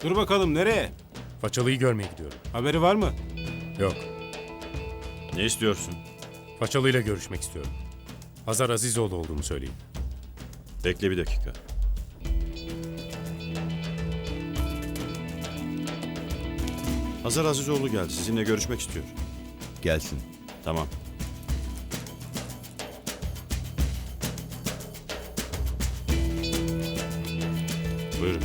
Dur bakalım nereye? Façalıyı görmeye gidiyorum. Haberi var mı? Yok. Ne istiyorsun? Façalıyla görüşmek istiyorum. Hazar Azizoğlu olduğunu söyleyin. Bekle bir dakika. Hazar Azizoğlu geldi. Sizinle görüşmek istiyor. Gelsin. Tamam. Buyurun.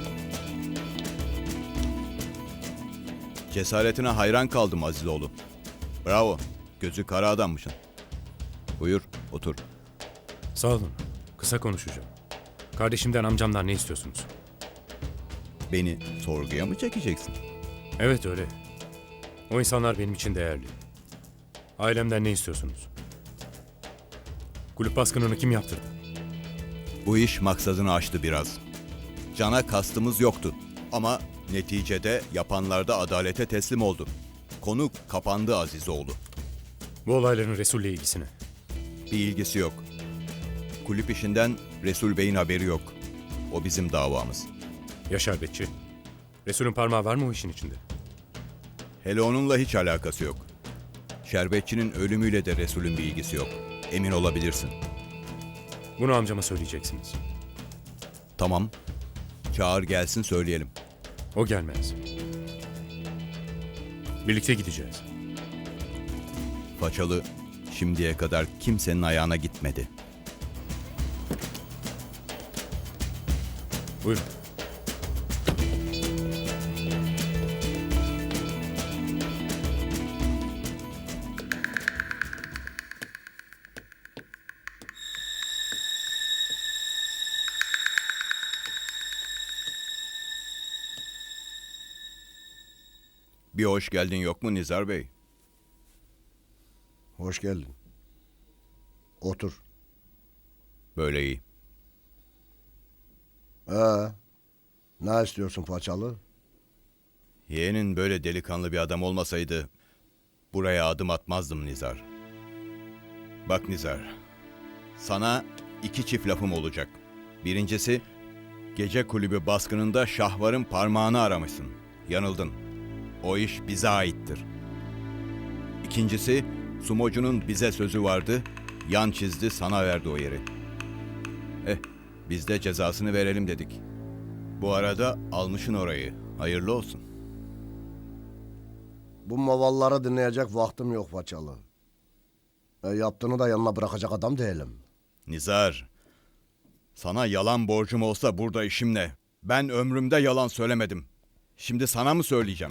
Cesaretine hayran kaldım Azizoğlu. Bravo. Gözü kara adammışsın. Buyur, otur. Sağ olun. Kısa konuşacağım. Kardeşimden, amcamdan ne istiyorsunuz? Beni sorguya mı çekeceksin? Evet öyle. O insanlar benim için değerli. Ailemden ne istiyorsunuz? Kulüp baskınını kim yaptırdı? Bu iş maksadını aştı biraz. Cana kastımız yoktu. Ama neticede yapanlar da adalete teslim oldu. Konu kapandı Azizoğlu. Bu olayların Resul'le ilgisine. Bir ilgisi yok. Kulüp işinden Resul Bey'in haberi yok. O bizim davamız. Ya şerbetçi? Resul'ün parmağı var mı o işin içinde? Hele onunla hiç alakası yok. Şerbetçinin ölümüyle de Resul'ün bir ilgisi yok. Emin olabilirsin. Bunu amcama söyleyeceksiniz. Tamam. Çağır gelsin söyleyelim. O gelmez. Birlikte gideceğiz. Façalı şimdiye kadar kimsenin ayağına gitmedi. Buyurun. Bir hoş geldin yok mu Nizar Bey? Hoş geldin. Otur. Böyle iyi. Ne istiyorsun Façalı? Yeğenin böyle delikanlı bir adam olmasaydı buraya adım atmazdım Nizar. Bak Nizar, sana iki çift lafım olacak. Birincisi, gece kulübü baskınında Şahvar'ın parmağını aramışsın. Yanıldın. O iş bize aittir. İkincisi, sumocunun bize sözü vardı, yan çizdi sana verdi o yeri. Biz de cezasını verelim dedik. Bu arada almışın orayı. Hayırlı olsun. Bu mavalları dinleyecek vaktim yok Façalı. Yaptığını da yanına bırakacak adam değilim. Nizar, sana yalan borcum olsa burada işim ne? Ben ömrümde yalan söylemedim. Şimdi sana mı söyleyeceğim?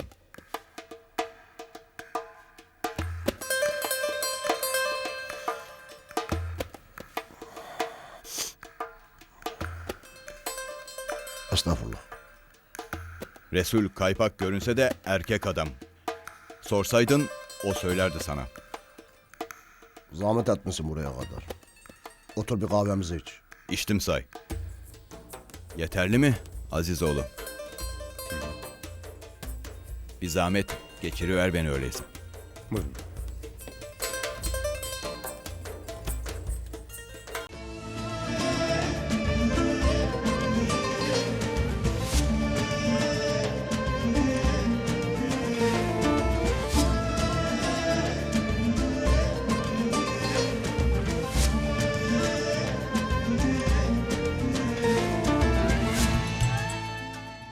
Estağfurullah. Resul kaypak görünse de erkek adam. Sorsaydın o söylerdi sana. Zahmet etmişsin buraya kadar. Otur bir kahvemizi iç. İçtim say. Yeterli mi Azizoğlu? Bir zahmet geçiriver beni öyleyse. Buyurun.